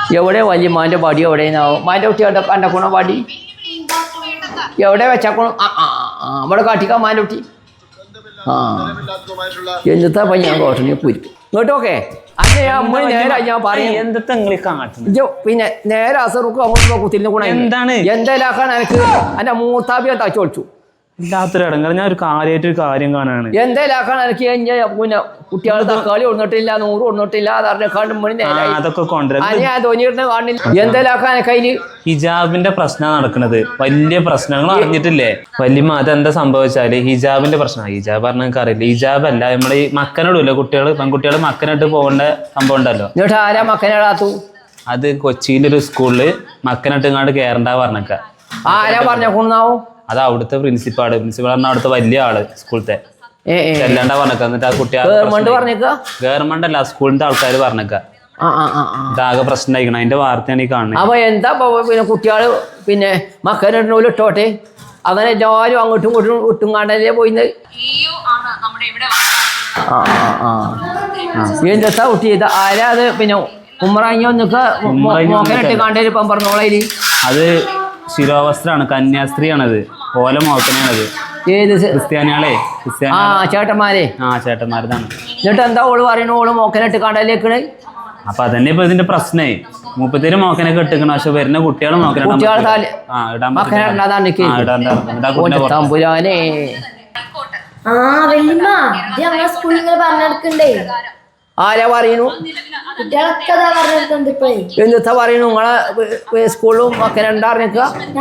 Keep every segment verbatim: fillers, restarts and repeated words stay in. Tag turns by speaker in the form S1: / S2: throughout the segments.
S1: എവിടെ വല്യമാൻ്റെ വടി എവിടെയാവും മാൻ്റെ കുട്ടി അവിടെ കണ്ടക്കണോ വടി എവിടെ വെച്ചാക്കണോ ആ ആ ആ അവിടെ കാട്ടിക്കാൻ മാൻ്റെ കുട്ടി ആ എന്നിട്ടാ അപ്പം ഞാൻ കോട്ടണി കുരിക്കും ഇങ്ങോട്ടോക്കെ അന്നെ അമ്മ നേരെ ഞാൻ പറയും
S2: എന്തൊക്കെ
S1: പിന്നെ നേരെ അസറുക്കും അങ്ങോട്ട് കുത്തിരിഞ്ഞ ഗുണം എന്താണ് എന്തായാലും എനിക്ക് എൻ്റെ മൂത്താബിയെ തച്ചോളിച്ചു
S2: ഇല്ലാത്തൊരു ഇടങ്ങൾ ഞാൻ ഒരു കാര്യമായിട്ട് ഒരു കാര്യം കാണാണ്
S1: എന്തായാലും എനിക്ക് പിന്നെ കുട്ടികൾ തക്കാളി ഒന്നിട്ടില്ല നൂറ് ഒന്നിട്ടില്ല
S2: അതൊക്കെ കൊണ്ടുവരാം
S1: എന്തായാലും കയ്യില്
S2: ഹിജാബിന്റെ പ്രശ്നം നടക്കുന്നത് വലിയ പ്രശ്നങ്ങൾ അറിഞ്ഞിട്ടില്ലേ വല്യമ്മ അതെന്താ സംഭവിച്ചാല് ഹിജാബിന്റെ പ്രശ്നം ഹിജാബ് പറഞ്ഞ എനിക്ക് അറിയില്ല ഹിജാബ് അല്ല നമ്മള് ഈ മക്കനോടില്ല കുട്ടികൾ പെൺകുട്ടികൾ മക്കനിട്ട് പോകേണ്ട സംഭവം ഉണ്ടല്ലോ
S1: എന്നിട്ട് ആരാ മക്കനിടാത്തു
S2: അത് കൊച്ചിയിലൊരു സ്കൂളില് മക്കനിട്ട് ഇങ്ങോട്ട് കയറണ്ട പറഞ്ഞക്ക
S1: ആരാ പറഞ്ഞാവും
S2: അത് അവിടുത്തെ പ്രിൻസിപ്പാള് പ്രിൻസിപ്പാൾ പറഞ്ഞ അവിടുത്തെ വലിയ ആള് സ്കൂളത്തെ ചെല്ലാണ്ടാ പറഞ്ഞേക്ക എന്നിട്ട് ആ കുട്ടി ഗവൺമെന്റ് അല്ല സ്കൂളിന്റെ ആൾക്കാർ പറഞ്ഞേക്ക ഇതാകെ പ്രശ്നമായിക്കണം അതിന്റെ വാർത്തയാണ് ഈ കാണുന്നത്
S1: അപ്പൊ എന്താ പിന്നെ കുട്ടികള് പിന്നെ മക്കനിടണോലും ഇട്ടോട്ടെ അങ്ങനെ എല്ലാവരും അങ്ങോട്ടും ഇങ്ങോട്ടും ഇട്ടും കാണ്ടല്ലേ പോയിന്ന് എന്താ കുട്ടി ഇത് ആരാ അത് പിന്നെ ഉമ്മറാങ്ങിയോ നിക്ക മോക്കനിട്ട് കാണ്ടേല് ഇപ്പം പറഞ്ഞോളയില്
S2: അത് ശിരോവസ്ത്രാണ് കന്യാസ്ത്രീയാണത് ഓല മോക്കനാണത്
S1: ഏത്
S2: ക്രിസ്ത്യാനികളെ
S1: ആ ചേട്ടന്മാരെ
S2: ആ ചേട്ടന്മാരതാണ്
S1: എന്നിട്ട് എന്താ ഓള് പറയണു ഓള് മോക്കനിട്ട് കാണ്ടല്ലേക്കണ്
S2: അപ്പൊ അതന്നെ ഇപ്പൊ ഇതിന്റെ പ്രശ്നേ മുപ്പത്തേര് മോക്കനൊക്കെ ഇട്ടിക്കണം പക്ഷെ വരുന്ന കുട്ടികൾ
S1: തമ്പുരാനെ ആരാ പറയുന്നു എന്താ പറയുന്നു നിങ്ങളെ സ്കൂളിലും മക്കനെ ഉണ്ടാറിനിക്ക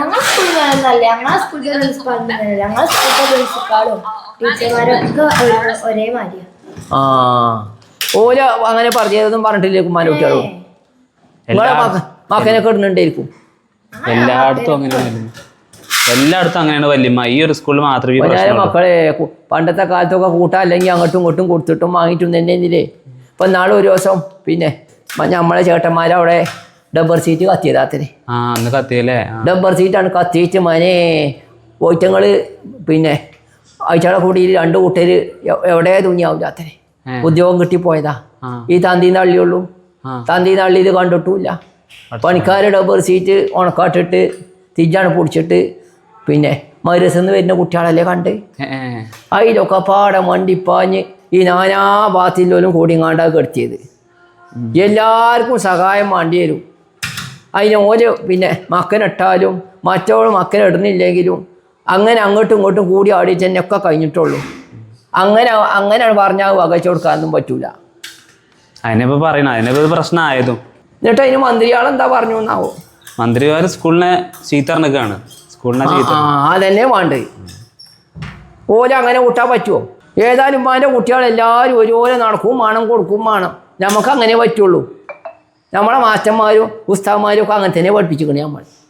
S1: ആ ഓല അങ്ങനെ പറഞ്ഞതൊന്നും പറഞ്ഞിട്ടില്ലേ കുമാര കുട്ടികളും നിങ്ങളെ മക്കനൊക്കെ ഇടുന്നുണ്ടായിരിക്കും
S2: എല്ലായിടത്തും അങ്ങനെ എല്ലായിടത്തും അങ്ങനെയാണ് വല്യമ്മ ഈ ഒരു സ്കൂളിൽ മാത്രമേ
S1: മക്കളെ പണ്ടത്തെ കാലത്തൊക്കെ കൂട്ടാ അല്ലെങ്കിൽ അങ്ങോട്ടും ഇങ്ങോട്ടും കൊടുത്തിട്ടും വാങ്ങിയിട്ടും തന്നെ ഇല്ലേ ഇപ്പം നാളെ ഒരു ദിവസം പിന്നെ നമ്മളെ ചേട്ടന്മാരവിടെ ഡബ്ബർ സീറ്റ് കത്തിയതാത്തിന്
S2: കത്തിയല്ലേ
S1: ഡബ്ബർ സീറ്റാണ് കത്തിയിട്ട് മനെ പോയിട്ടങ്ങൾ പിന്നെ അയച്ചാളെ കൂടി രണ്ട് കൂട്ടര് എവിടെ തുണിയാവില്ലാത്തനെ ഉദ്യോഗം കിട്ടിപ്പോയതാ ഈ തന്തീന്ന് അള്ളിയുള്ളൂ തന്തീന്ന് അള്ളി ഇത് കണ്ടിട്ടുമില്ല പണിക്കാർ ഡബ്ബർ സീറ്റ് ഉണക്കാട്ടിട്ട് തിരിച്ചാണ് പൊടിച്ചിട്ട് പിന്നെ മദ്രസന്ന് വരുന്ന കുട്ടികളല്ലേ കണ്ട് അതിലൊക്കെ പാടെ മണ്ടിപ്പാഞ്ഞ് ഈ നാനാ ഭാഗത്തില്ലോലും കൂടിങ്ങാണ്ടാ കെടുത്തിയത് എല്ലാവർക്കും സഹായം വേണ്ടി വരും അതിന് ഓരോ പിന്നെ മക്കനിട്ടാലും മറ്റവൾ മക്കനിടുന്നില്ലെങ്കിലും അങ്ങനെ അങ്ങോട്ടും ഇങ്ങോട്ടും കൂടി ആടിച്ച് തന്നെ ഒക്കെ കഴിഞ്ഞിട്ടുള്ളൂ അങ്ങനെ അങ്ങനെ പറഞ്ഞാൽ വകച്ചു കൊടുക്കാനൊന്നും പറ്റൂല
S2: അതിനിപ്പോൾ പറയണം അതിനിപ്പോൾ പ്രശ്നമായതും
S1: എന്നിട്ട് അതിന് മന്ത്രിയാളെന്താ പറഞ്ഞു എന്നാവോ
S2: മന്ത്രിമാർ സ്കൂളിനെ ചീത്തറിനൊക്കെയാണ് സ്കൂളിനെ
S1: ആ അതന്നെ വേണ്ടത് ഓല അങ്ങനെ കൂട്ടാൻ പറ്റുമോ ഏതായാലും ഉമ്മാൻ്റെ കുട്ടികളെല്ലാവരും ഒരുപോലെ നടക്കും വേണം കൊടുക്കും വേണം നമുക്ക് അങ്ങനെ പറ്റുള്ളൂ നമ്മളെ മാസ്റ്റർമാരും ഉസ്താദ്മാരും ഒക്കെ അങ്ങനെ തന്നെ പഠിപ്പിച്ചിരിക്കണേ നമ്മൾ